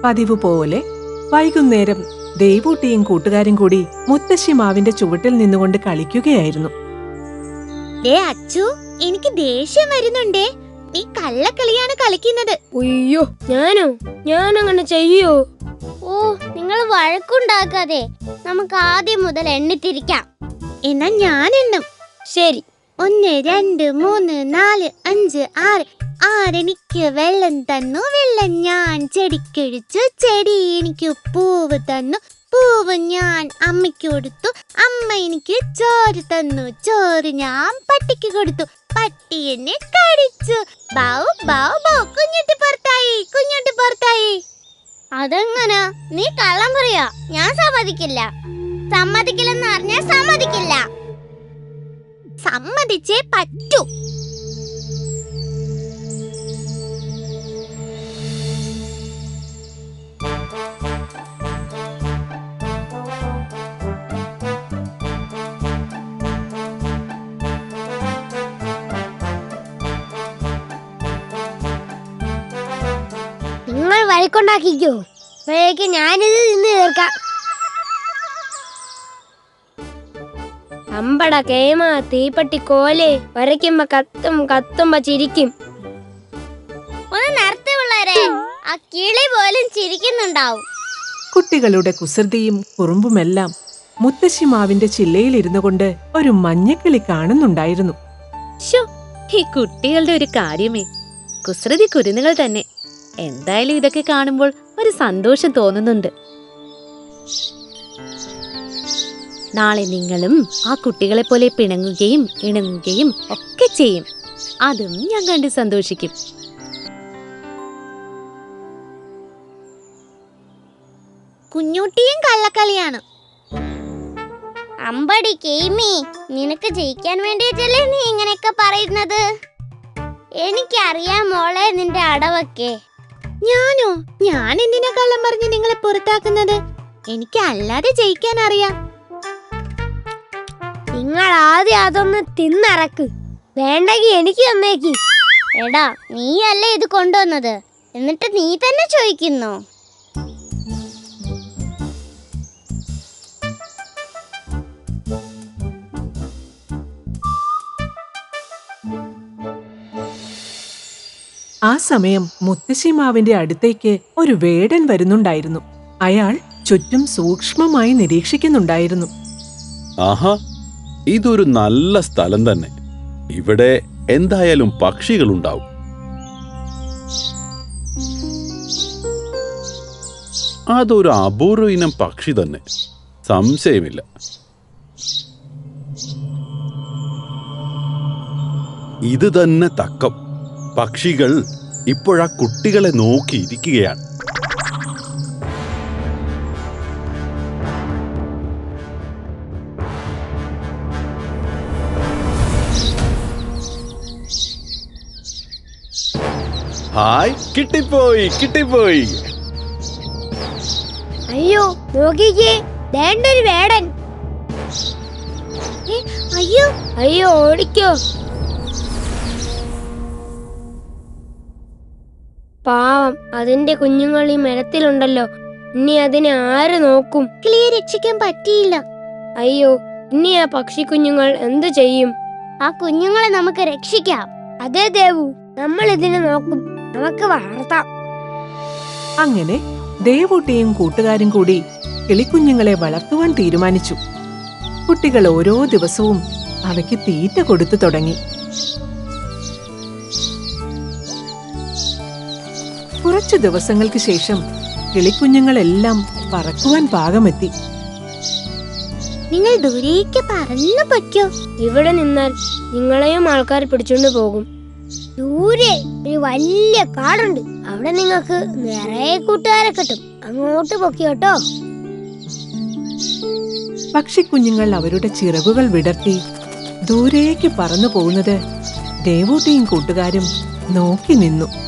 പതിവ് പോലെ വൈകുന്നേരം ദേവൂട്ടിയും കൂട്ടുകാരും കൂടി മുത്തശ്ശി മാവിന്റെ ചുവട്ടിൽ നിന്നുകൊണ്ട് കളിക്കുകയായിരുന്നു. അച്ചു, എനിക്ക് ദേഷ്യം വരുന്നുണ്ടേ. നീ കള്ളക്കളിയാണ് കളിക്കുന്നത്. അയ്യോ, ഞാനങ്ങനെ ചെയ്യോ? ഓ, നിങ്ങൾ വഴക്കുണ്ടാക്കാതെ നമുക്ക് ആദ്യം മുതൽ എണ്ണിത്തിരിക്കാം. എന്നാ ഞാൻ എണ്ണും. ശരി. 1 2 3 4 5 6. ആരെനിക്ക് വെള്ളം തന്നു, വെള്ളം ഞാൻ ചെടിക്കൊഴിച്ചു, ചെടി എനിക്ക് പൂവ് തന്നു, പൂവ് ഞാൻ അമ്മയ്ക്ക് കൊടുത്തു, അമ്മ എനിക്ക് ചോറ് തന്നു, ചോറ് ഞാൻ പട്ടിക്ക് കൊടുത്തു, പട്ടി എന്നെ കടിച്ചു. ബൗ ബൗ ബൗ, കുഞ്ഞുട്ടി പുറത്തായി. അതെങ്ങനെ? നീ കള്ളം പറയാ. ഞാൻ സമ്മതിക്കില്ലെന്ന് പറഞ്ഞാൽ സമ്മതിക്കില്ല. സമ്മതിച്ചേ പറ്റൂ. നിങ്ങൾ വഴക്കുണ്ടാക്കിക്കോ, അപ്പോഴേക്ക് ഞാനിത് നിന്ന് തീർക്കാം. അമ്പട കേമ തീപ്പട്ടി കോലെ, വരയ്ക്കുമ്പോ കത്തുമ്പോ ചിരിക്കും. ഒന്ന് നിർത്തി പിള്ളേരെ, ആ കിളി പോലും ചിരിക്കുന്നുണ്ടാവും. കുട്ടികളുടെ കുസൃതിയും കുറുമ്പുമെല്ലാം മുത്തശ്ശി മാവിന്റെ ചില്ലയിലിരുന്നു കൊണ്ട് ഒരു മഞ്ഞക്കിളി കാണുന്നുണ്ടായിരുന്നു. ഈ കുട്ടികളുടെ ഒരു കാര്യമേ, കുസൃതി കുരുന്നുകൾ തന്നെ. എന്തായാലും ഇതൊക്കെ കാണുമ്പോൾ ഒരു സന്തോഷം തോന്നുന്നുണ്ട്. നാളെ നിങ്ങളും ആ കുട്ടികളെ പോലെ പിണങ്ങുകയും ഇണങ്ങുകയും ഒക്കെ ചെയ്യും. അതും ഞാൻ കണ്ട് സന്തോഷിക്കും. കുഞ്ഞുട്ടിയും കള്ളക്കളിയാണ്. അമ്പടി കേമി, നിനക്ക് ജയിക്കാൻ വേണ്ടിയിട്ടല്ലേ നീ ഇങ്ങനെയൊക്കെ പറയുന്നത്? എനിക്കറിയാം മോളെ നിന്റെ അടവൊക്കെ. ഞാൻ എന്തിനാ കള്ളം പറഞ്ഞ് നിങ്ങളെ പുറത്താക്കുന്നത്? എനിക്ക് അല്ലാതെ ജയിക്കാൻ അറിയാം. നിങ്ങൾ ആദ്യം അതൊന്ന് തിന്നറക്ക്, വേണ്ടെങ്കിൽ എനിക്ക് തന്നേക്ക്. എടാ, നീയല്ലേ ഇത് കൊണ്ടുവന്നത്, എന്നിട്ട് നീ തന്നെ ചോദിക്കുന്നു. ആ സമയം മുത്തശ്ശി മാവിന്റെ അടുത്തേക്ക് ഒരു വേടൻ വരുന്നുണ്ടായിരുന്നു. അയാൾ ചുറ്റും സൂക്ഷ്മമായി നിരീക്ഷിക്കുന്നുണ്ടായിരുന്നു. ആഹാ, ഇതൊരു നല്ല സ്ഥലം തന്നെ. ഇവിടെ എന്തായാലും പക്ഷികളുണ്ടാവും. അതൊരു അപൂർവ ഇനം പക്ഷി തന്നെ, സംശയമില്ല. ഇത് തന്നെ തക്കം. പക്ഷികൾ ഇപ്പോഴാ കുട്ടികളെ നോക്കിയിരിക്കുകയാണ്. ഹായ്, കിട്ടിപ്പോയി. അയ്യോ, നോക്കിക്കേ, ദേണ്ടൊരു വേടൻ. അയ്യോ, ഓടിക്കോ. പാവം, അതിന്റെ കുഞ്ഞുങ്ങൾ ഈ മരത്തിലുണ്ടല്ലോ. ഇനി അതിനെ ആര് നോക്കും? കിളിയെ രക്ഷിക്കാൻ പറ്റിയില്ല. അയ്യോ, ഇനി ആ പക്ഷി കുഞ്ഞുങ്ങൾ എന്തു ചെയ്യും? ആ കുഞ്ഞുങ്ങളെ നമുക്ക് രക്ഷിക്കാം. അതേ ദേവു, നമ്മൾ ഇതിനെ നോക്കും, നമുക്ക് വളർത്താം. അങ്ങനെ ദേവൂട്ടിയും കൂട്ടുകാരും കൂടി കിളിക്കുഞ്ഞുങ്ങളെ വളർത്തുവാൻ തീരുമാനിച്ചു. കുട്ടികൾ ഓരോ ദിവസവും അവയ്ക്ക് തീറ്റ കൊടുത്തു തുടങ്ങി. കുറച്ചു ദിവസങ്ങൾക്ക് ശേഷം കിളിക്കുഞ്ഞുങ്ങളെല്ലാം പറക്കുവാൻ പാകമെത്തി. നിങ്ങൾ ദൂരേക്ക് പറന്നു പൊയ്ക്കോ. ഇവിടെ നിന്നാൽ നിങ്ങളെയും ആൾക്കാർ പിടിച്ചോണ്ട് പോകും. ദൂരെ ഒരു വലിയ കാടുണ്ട്, അവിടെ നിങ്ങൾക്ക് നിറയെ കൂട്ടുകാരെ കിട്ടും. അങ്ങോട്ട് പൊക്കിയോട്ടോ. പക്ഷിക്കുഞ്ഞുങ്ങൾ അവരുടെ ചിറകുകൾ വിടർത്തി ദൂരേക്ക് പറന്നു പോകുന്നത് ദേവൂട്ടിയും കൂട്ടുകാരും നോക്കി നിന്നു.